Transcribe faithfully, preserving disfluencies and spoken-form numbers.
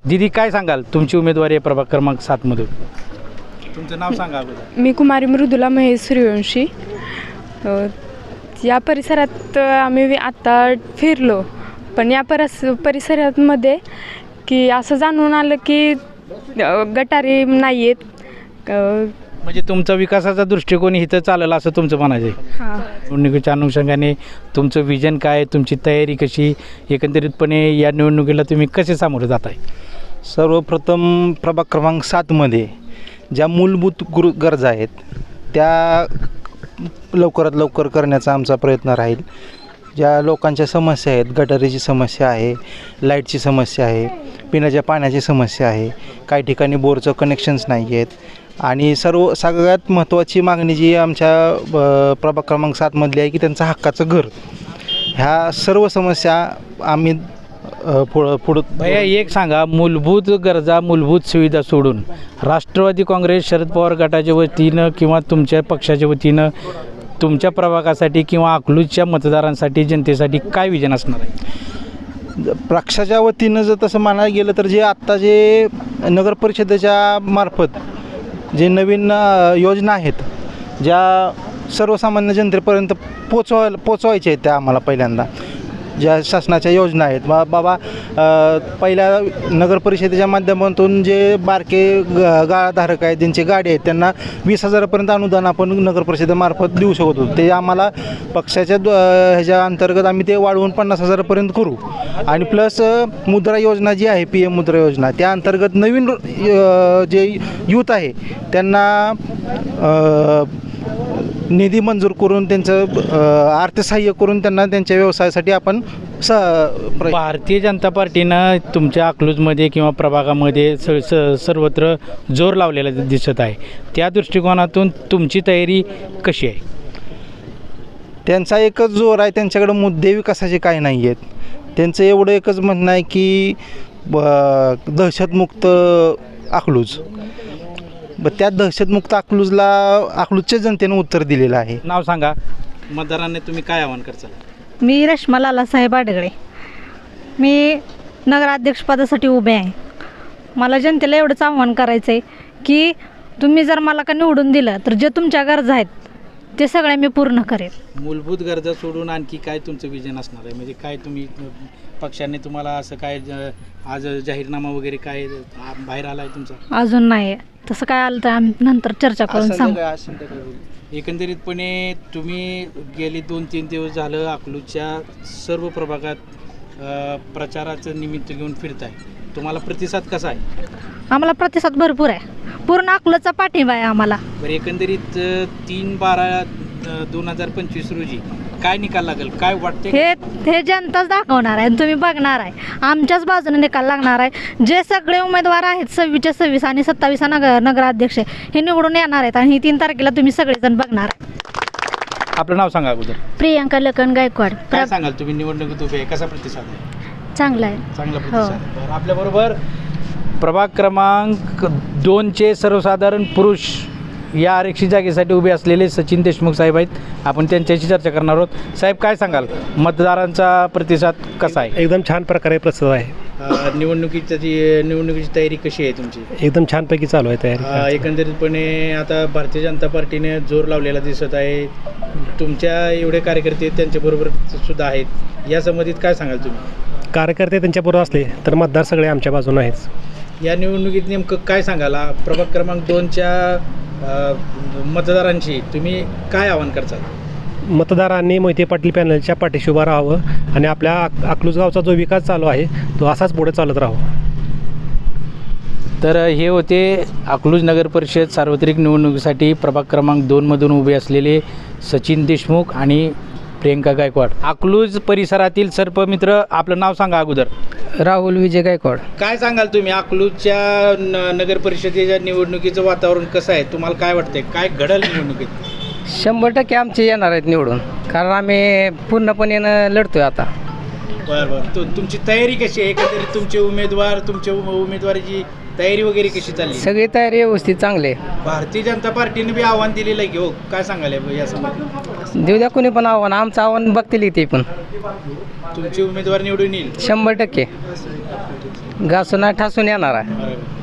दीदी काय सांगाल, तुमची उमेदवारी आहे प्रभाग क्रमांक सात मधून, तुमचं नाव सांगा अगोदर. मी कुमारी मृदुला महेश सूर्यवंशी. अ, या परिसरात आम्ही आता फिरलो, पण या परस परिसरामध्ये की असं जाणून आलं की अ, गटारी नाही आहेत. म्हणजे तुमचा विकासाचा दृष्टिकोन इथं चालेल असं तुमचं म्हणायचं आहे. हां, निवडणुकीच्या अनुषंगाने तुमचं विजन काय, तुमची तयारी कशी, एकंदरीतपणे या निवडणुकीला तुम्ही कसे सामोरे जात आहे? सर्वप्रथम प्रभाग क्रमांक सातमध्ये ज्या मूलभूत गुरु गरजा आहेत त्या लवकरात लवकर करण्याचा आमचा प्रयत्न राहील. ज्या लोकांच्या समस्या आहेत, गटारीची समस्या आहे, लाईटची समस्या आहे, पिण्याच्या पाण्याची समस्या आहे, काही ठिकाणी बोरचं कनेक्शन्स नाही आहेत आणि सर्व सगळ्यात महत्त्वाची मागणी जी आमच्या प्रभाग क्रमांक सातमधली आहे की त्यांचं हक्काचं घर. ह्या सर्व समस्या आम्ही पुढं पुढं भैया एक सांगा, मूलभूत गरजा, मूलभूत सुविधा सोडून राष्ट्रवादी काँग्रेस शरद पवार गटाच्या वतीनं किंवा तुमच्या पक्षाच्या वतीनं तुमच्या प्रभागासाठी किंवा अकलूजच्या मतदारांसाठी, जनतेसाठी काय विजन असणार आहे? पक्षाच्या वतीनं जर तसं म्हणायला गेलं तर जे आत्ता जे नगर परिषदेच्या मार्फत जे नवीन योजना आहेत ज्या सर्वसामान्य जनतेपर्यंत पोचवायला पोचवायच्या आहेत त्या आम्हाला पहिल्यांदा ज्या शासनाच्या योजना आहेत बा बाबा पहिल्या नगर परिषदेच्या माध्यमातून जे बारके ग गाळाधारक आहेत, ज्यांची गाडी आहेत, त्यांना वीस हजारापर्यंत अनुदान आपण नगर परिषदेमार्फत देऊ शकत होतो. ते आम्हाला पक्षाच्या ह्याच्या अंतर्गत आम्ही ते वाढवून पन्नास हजारापर्यंत करू. आणि प्लस मुद्रा योजना जी आहे, पी एम मुद्रा योजना, त्या अंतर्गत नवीन जे यूथ आहे त्यांना निधी मंजूर करून त्यांचं अर्थसहाय्य करून त्यांना त्यांच्या व्यवसायासाठी आपण स भारतीय जनता पार्टीनं तुमच्या अकलूजमध्ये किंवा प्रभागामध्ये स स सर्वत्र जोर लावलेला दिसत आहे. त्या दृष्टिकोनातून तुमची तयारी कशी आहे? त्यांचा एकच जोर आहे, त्यांच्याकडे मुद्दे विकासाचे काही नाही आहेत. त्यांचं एवढं एकच म्हणणं आहे की दहशतमुक्त अकलूज. ब त्या दहशतमुक्त अकलूजला अकलूजच्या जनतेनं उत्तर दिलेलं आहे. नाव सांगा, मतदारांनी तुम्ही काय आवाहन करता? मी रश्मा लालासाहेब आडगळे. मी नगराध्यक्षपदासाठी उभे आहे. मला जनतेला एवढंच आव्हान करायचं आहे की तुम्ही जर मला का निवडून दिलं तर जे तुमच्या गरजा आहेत ते सगळे मी पूर्ण करेन. मूलभूत गरजा सोडून आणखी काय तुमचं विजन असणार आहे? म्हणजे काय तुम्ही पक्षाने तुम्हाला असं काय आज जाहीरनामा वगैरे काय बाहेर आला आहे तुमचा? अजून नाही, तसं काय आलं तर आम्ही नंतर चर्चा करून सांगू. एकंदरीतपणे तुम्ही गेली दोन तीन दिवस झालं अकलूजच्या सर्व प्रभागात प्रचाराचं निमित्त घेऊन फिरताय, तुम्हाला प्रतिसाद कसा आहे? आम्हाला प्रतिसाद भरपूर आहे, पूर्ण अकलूजचा पाठिंबा आहे आम्हाला. बरं, एकंदरीत तीन बारा दोन हजार पंचवीस रोजी काय निकाल लागेल, काय वाटते? हे हे जनताच दाखवणार आहे, तुम्ही बघणार आहे. आमच्याच बाजूने निकाल लागणार आहे. जे सगळे उमेदवार आहेत सव्वीसच्या सव्वीस आणि सत्तावीसचा नगर नगराध्यक्ष हे निवडून येणार आहेत आणि तीन तारखेला तुम्ही सगळेजण बघणार आहे. आपलं नाव सांगा अगोदर. प्रियंका लखन गायकवाड. काय सांगाल तुम्ही, निवडणुकीत उभे आहे, कसा प्रतिसाद आहे? चांगला आहे. चांगला प्रतिसाद. बरं, आपल्याबरोबर प्रभाग क्रमांक दोनचे सर्वसाधारण पुरुष या आरक्षित जागेसाठी उभे असलेले सचिन देशमुख साहेब आहेत. आपण त्यांच्याशी चर्चा करणार आहोत. साहेब, काय सांगाल, मतदारांचा प्रतिसाद कसा आहे? एकदम छान प्रकारे प्रतिसाद आहे. निवडणुकीची जी निवडणुकीची तयारी कशी आहे तुमची? एकदम छानपैकी चालू आहे तयारी. एकंदरीतपणे आता भारतीय जनता पार्टीने जोर लावलेला दिसत आहे. तुमच्या एवढे कार्यकर्ते त्यांच्याबरोबर सुद्धा आहेत, या संबंधित काय सांगाल तुम्ही? कार्यकर्ते त्यांच्याबरोबर असले तर मतदार सगळे आमच्या बाजूने आहेच. या निवडणुकीत नेमकं काय सांगाल, प्रभाग क्रमांक दोनच्या मतदारांशी तुम्ही काय आवाहन करता? मतदारांनी मोहिते पाटील पॅनलच्या पाठीशी उभं राहावं आणि आपल्या अकलूज गावचा जो विकास चालू आहे तो असाच पुढे चालत राहावा. तर हे होते अकलूज नगर परिषद सार्वत्रिक निवडणुकीसाठी प्रभाग क्रमांक दोनमधून उभे असलेले सचिन देशमुख आणि प्रियंका गायकवाड. अकलूज परिसरातील सर्पमित्र, आपलं नाव सांगा अगोदर. राहुल विजय गायकवाड. काय सांगाल तुम्ही, अकलूजच्या न नगर परिषदेच्या निवडणुकीचं वातावरण कसं आहे? तुम्हाला काय वाटतंय, काय घडल निवडणुकीत? शंभर टक्के आमचे येणार आहेत निवडून, कारण आम्ही पूर्णपणे लढतोय आता. बरं बरं, तु तुमची तयारी कशी आहे? एकंदरीत तुमचे उमेदवार, तुमच्या उमेदवारीची तयारी वगैरे कशी चालली? सगळी तयारी व्यवस्थित चांगली आहे. भारतीय जनता पार्टीने बी आव्हान दिलेलं आहे की हो, काय सांगाल या संबंधी? देऊ द्या कोणी पण आव्हान, आमचं आव्हान बघतील ते पण. तुमची उमेदवार निवडून येईल शंभर टक्के. घासून नाही ठासून येणार आहे.